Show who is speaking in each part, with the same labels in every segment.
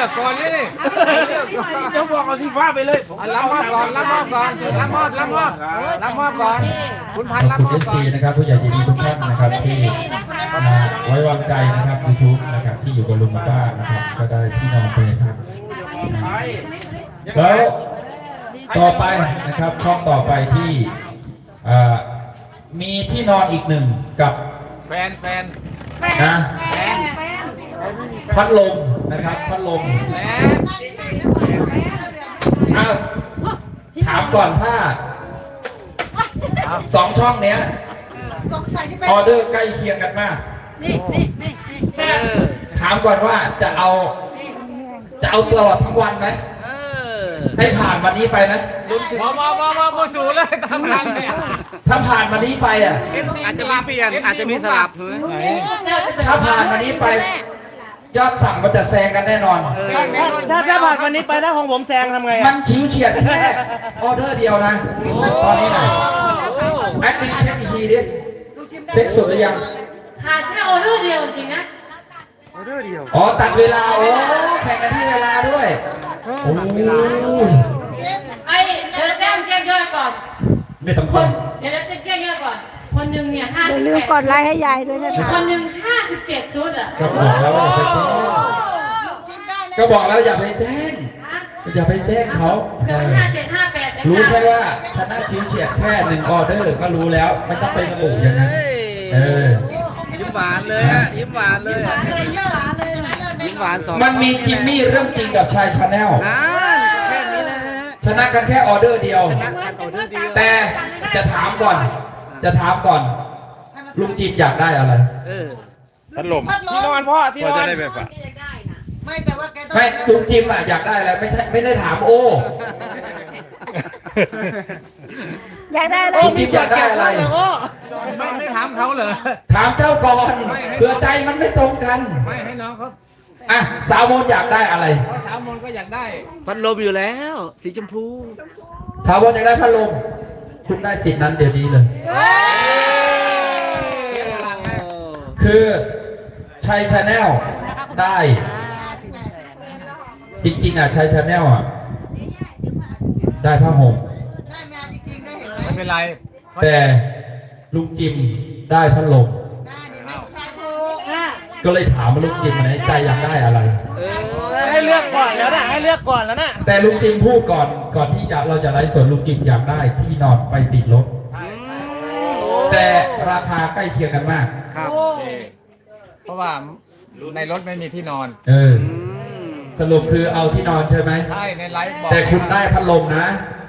Speaker 1: อกก่อนนี่
Speaker 2: จะบอกเอาสีฟ้าไปเลย
Speaker 1: รับมอบก่อนรับมอบก่อนรับมอบก่อนคุณพันรับมอบก่อน
Speaker 3: นะครับผู้ใหญ่ใจดีทุกท่านนะครับที่ไว้วางใจนะครับยูทูบนะครับที่อยู่กับลุงป้านะครับก็ได้ที่นอนไปครับแล้วต่อไปนะครับช่องต่อไปที่มีที่นอนอีกหนึ่งกับ
Speaker 1: แฟน
Speaker 3: นะพัดลมนะครับพัดลมถามก่อนถ้า2 ช่องเนี้ยออเดอร์ใกล้เคียงกันมากถามก่อนว่าจะเอาตลอดทั้งวันไหมให้ผ่านวันนี้ไปนะ
Speaker 1: มาสู่เลยทำงานเนี่ย
Speaker 3: ถ้าผ่านวันนี้ไป
Speaker 1: อาจจะมีเปลี่ยนอาจจะมีสลับ
Speaker 3: ถ้าผ่านวันนี้ไปยอดสั่งมันจะแซงกันแน่นอน
Speaker 4: ถ้าผ่านวันนี้ไปถ้าของผมแซงทำไง
Speaker 3: มันชิวเฉียดแค่ออเดอร์เดียวนะตอนนี้นะแอดมินเช็คอีกทีดิเช็คสุดหรือยัง
Speaker 5: ขาดแค่ออเดอร์เดียวจริงนะ
Speaker 4: ออเดอร์เดียว
Speaker 3: อ๋อตัดเวลาโอ้แข่งกันที่เวลาด้วยโอ้
Speaker 5: ไอ้เดี๋ยวแจ้งยอดก่อน
Speaker 3: ไม่ต้องคน
Speaker 5: เดี๋ยวแจ้งยอดก่อนคนหนึ่งเนี่ย58
Speaker 6: อย่าลืมกดไลค์ให้ยายด้วยนะคะ
Speaker 5: คนหนึ่ง57 ชุดอ่ะ
Speaker 3: ก็บอกแล้วอย่าไปแจ้งก็บอกแล้วอย่าไปแจ้งเขารู้แค่ว่าชนะชิวเฉียดแค่1 ออเดอร์ก็รู้แล้วไม่ต้องไประบุอย่างนั้น
Speaker 1: ยิ้มหวานเลยยิ้มหวานเลยยิ้มหวาน
Speaker 3: มันมีจิมมี่เรื่องจริงกับชายชาแนล
Speaker 1: แค่นี้แหละ
Speaker 3: ชนะกันแค่ออเดอร์เดียวแต่จะถามก่อนลุงจิมอยากได้อะไร
Speaker 2: พัดลม
Speaker 4: ที่นอนพ่อที่นอน
Speaker 5: ไม่แต่ว่าแกต้อง
Speaker 3: ไม่ลุงจิมอยากได้อะไรไม่ได้ถามโอ้
Speaker 6: อยากได้อะไร
Speaker 3: ลุงจิมอยากได้อะไร
Speaker 1: ไม่ถามเขาเลย
Speaker 3: ถามเจ้าก่อนเผื่อใจมันไม่ตรงกัน
Speaker 1: ไม่ให้น้องเขา
Speaker 3: สาวมนอยากได้อะไร
Speaker 1: สาวมนก็อยากได้พัดลมอยู่แล้วสีชมพู
Speaker 3: สาวมนอยากได้พัดลมคุณได้สิทธิ์นั้นเดี๋ยวนี้เลยคือชัยชาแนลได้จริงๆชัยชาแนลได้ผ้าห่ม
Speaker 1: ไม่เป็นไร
Speaker 3: แต่ลุงจิมได้พัดลมก็เลยถามว่าลุงจิมในใจอยากได้อะไร
Speaker 4: ให้เลือกก่อนแล้วนะ
Speaker 3: แต่ลุงจิมพูดก่อนที่เราจะไลฟ์สดลุงจิมอยากได้ที่นอนไปติดรถแต่ราคาใกล้เคียงกันมาก
Speaker 1: ครับเพราะว่าในรถไม่มีที่นอน
Speaker 3: สรุปคือเอาที่นอนใช่ไหม
Speaker 1: ใช่ในไลฟ์บอก
Speaker 3: แต่คุณได้พัดลมนะ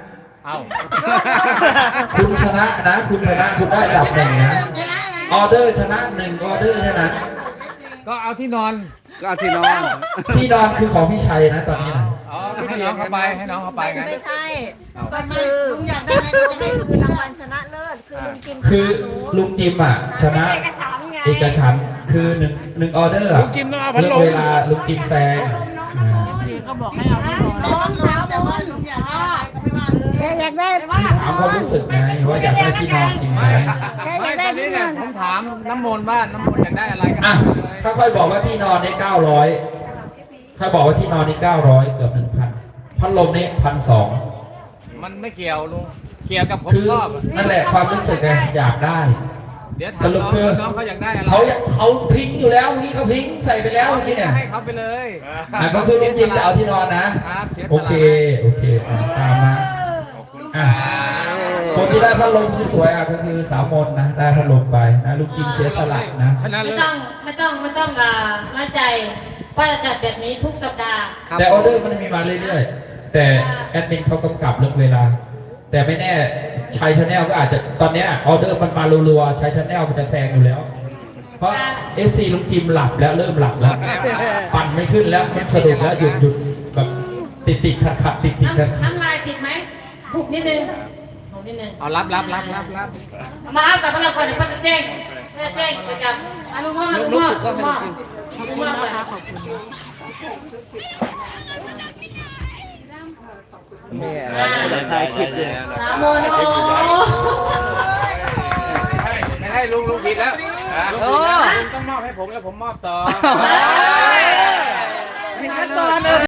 Speaker 3: คุณชนะนะคุณได้อันดับ1นะออเดอร์ชนะ1 ออเดอร์ใช่ไหม
Speaker 1: ก็เอาที่นอน
Speaker 3: ที่นอนคือของพี่ชัยนะตอนนี้นะ
Speaker 1: ให้น้องเข้าไปไง
Speaker 6: ไม่ใช่ก็คือลุงอยากได้อะไรก็จะให้ลุงรางวัลชนะเลิศ
Speaker 3: คือลุงจิมชนะเอกฉันท์คือ1 ออเดอร์
Speaker 1: ลุงจิมต้องเอาพัดลม
Speaker 3: เวลาลุงจิมแซง
Speaker 6: ก็บอกให้เอาที่นอนแต่ว่าลุงอยากได้
Speaker 3: ถามความรู้สึกไงว่าอยากได้ที่นอนจริงไหม
Speaker 6: อยากได้ที่นอน
Speaker 1: ผมถามน้ำมนต์ว่าน้ำมนต์อยากได้อะไรกัน
Speaker 3: ถ้าค่อยบอกว่าที่นอนนี่900ถ้าบอกว่าที่นอนนี่900เกือบ 1,000พัดลมนี่1,200
Speaker 1: มันไม่เกี่ยวลุงเกี่ยวกับผมชอบ
Speaker 3: นั่นแหละความรู้สึกไงอยากได้
Speaker 1: สรุปคือน้องเขาอยากได้อะไร
Speaker 3: เขาพิงอยู่แล้วนี่เขาพิงใส่ไปแล้วนี่เนี่ย
Speaker 1: ให้เขาไปเลย
Speaker 3: ก็คือลุงจิมจะเอาที่นอนนะโอเคตามมาคนที่ได้พัดลมสวยๆก็คือสาวมนนะได้พัดลมไปนะลุงจิมเสียสละนะ
Speaker 5: ไม่ต้องมั่นใจว่าจะจัดแบบนี้ทุกสัปดาห์
Speaker 3: แต่ออเดอร์มันมีมาเรื่อยๆแต่แอดมินเขากำกับเรื่องเวลาแต่ไม่แน่ชัยชาแนลก็อาจจะตอนนี้ออเดอร์มันมารัวๆชัยชาแนลมันจะแซงอยู่แล้วเพราะ FC ลุงจิมหลับแล้วเริ่มหลับแล้วปั่นไม่ขึ้นแล้วมันสะดุดแล้วหยุดแบบติดขัดติดกัน
Speaker 5: น้ำลายติดไหมหุบนิดนึง
Speaker 1: เอารับ
Speaker 5: มาเอากลับมาก่อนเดี๋ยวป้าจะแจ้งประจำลุงพ่อนะคะขอบคุณ
Speaker 1: เนี่ยถ่ายคลิปเลย
Speaker 5: โมโน
Speaker 1: ไม่ให้ลุงผิดแล้วลุงต้องมอบให้ผมแล้วผมมอบต่อ
Speaker 4: มีขั้นตอน